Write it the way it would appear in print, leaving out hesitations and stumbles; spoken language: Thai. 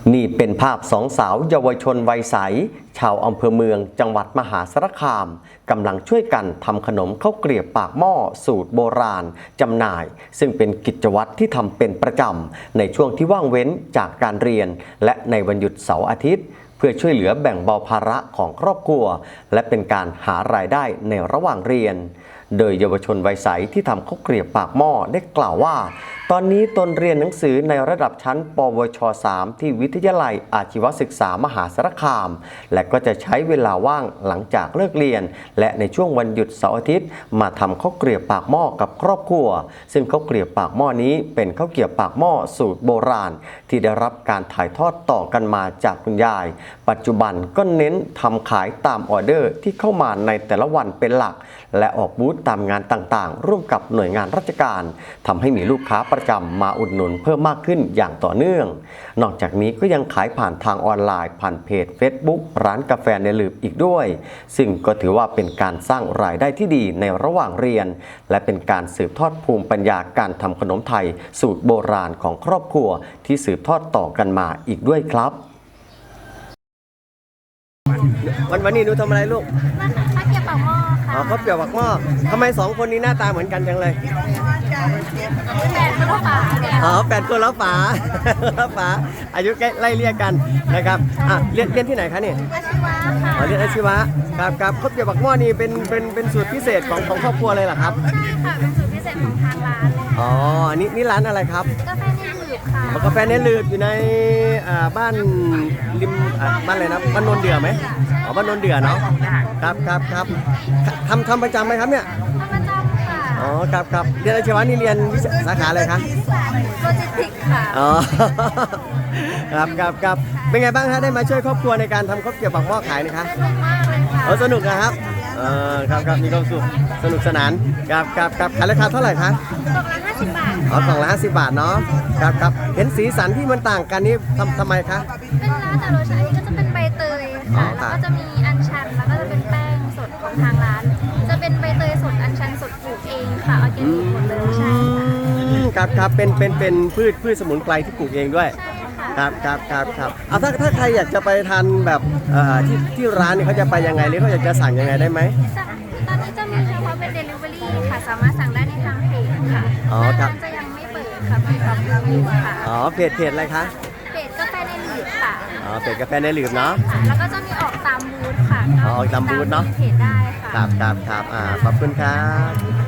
นี่เป็นภาพสองสาวเยาวชนวัยใสชาวอำเภอเมืองจังหวัดมหาสารคามกำลังช่วยกันทำขนมข้าวเกรียบปากหม้อสูตรโบราณจำหน่าย ซึ่งเป็นกิจวัตรที่ทำเป็นประจำในช่วงที่ว่างเว้นจากการเรียนและในวันหยุดเสาร์อาทิตย์เพื่อช่วยเหลือแบ่งเบาภาระของครอบครัวและเป็นการหารายได้ในระหว่างเรียนโดยเยาวชนวัยใสที่ทำข้าวเกรียบปากหม้อได้กล่าวว่าตอนนี้ตนเรียนหนังสือในระดับชั้นปวช3ที่วิทยาลัยอาชีวศึกษามหาสารคามและก็จะใช้เวลาว่างหลังจากเลิกเรียนและในช่วงวันหยุดเสาร์อาทิตย์มาทำข้าวเกรียบปากหม้อกับครอบครัวซึ่งข้าวเกรียบปากหม้อนี้เป็นข้าวเกรียบปากหม้อสูตรโบราณที่ได้รับการถ่ายทอดต่อกันมาจากคุณยายปัจจุบันก็เน้นทำขายตามออเดอร์ที่เข้ามาในแต่ละวันเป็นหลักและออกบูธตามงานต่างๆร่วมกับหน่วยงานราชการทำให้มีลูกค้าประจำมาอุดหนุนเพิ่มมากขึ้นอย่างต่อเนื่องนอกจากนี้ก็ยังขายผ่านทางออนไลน์ผ่านเพจ Facebook ร้านกาแฟในหลืบอีกด้วยซึ่งก็ถือว่าเป็นการสร้างรายได้ที่ดีในระหว่างเรียนและเป็นการสืบทอดภูมิปัญญาการทำขนมไทยสูตรโบราณของครอบครัวที่สืบทอดต่อกันมาอีกด้วยครับวันนี้หนูทำอะไรลูกข้าวเกรี๊ยวปากหม้อค่ะข้าวเกรี๊ยวปากหม้อทำไมสองคนนี้หน้าตาเหมือนกันจังเลย 8 คนละฝา 8 คนแล้วฝาแล้วฝาอายุใกล้ไล่เรียกกันนะครับเรียนที่ไหนคะเนี่ยอาชีวะค่ะเรียนอาชีวะครับข้าวเกรี๊ยวปากหม้อนี่เป็นสูตรพิเศษของครอบครัวเลยเหรอครับใช่ค่ะเป็นสูตรพิเศษของทางร้านเลยค่ะนี่ร้านอะไรครับกาแฟในหลืบค่ะกาแฟในหลืบอยู่ในบ้านริมบ้านอะไรนะบ้านโนนเดือไหมบ้านโนนเดือเนาะครับทำประจำไหมครับเนี่ยทำประจำค่ะครับเรียนอาชีวะนี่เรียนสาขาอะไรคะโลจิสติกค่ะครับเป็นไงบ้างคะได้มาช่วยครอบครัวในการทำข้าวเกรี๊ยวปากหม้อขายนะคะสนุกมากเลยค่ะสนุกนะครับครับมีความสุขสนุกสนานครับขายราคาเท่าไหร่คะกล่องละ50 บาทกล่องละ50 บาทเนาะครับเห็นสีสันที่มันต่างกันนี่ทำไมคะเป็นร้านแต่รสชาติก็จะเป็นใบเตยค่ะแล้วก็จะมีอัญชันแล้วก็จะเป็นแป้งสดของทางร้านจะเป็นใบเตยสดอัญชันสดปลูกเองค่ะออร์แกนิกหมดเลยใช่ค่ะครับเป็นพืชสมุนไพรที่ปลูกเองด้วยครับถ้าใครอยากจะไปทานแบบที่ร้านนี่เขาจะไปยังไงหรือเขาอยากจะสั่งยังไงได้ไหมตอนนี้จะมีเฉพาะเป็น Delivery ค่ะสามารถสั่งได้ในทางเพจค่ะร้านจะยังไม่เปิดค่ะเปิดรับรีวิวค่ะเพจอะไรคะเพจกาแฟในหลืบค่ะเพจกาแฟในหลืบเนาะแล้วก็จะมีออกตามบูธค่ะออกตามบูธเนาะเพจได้ค่ะครับขอบคุณครับ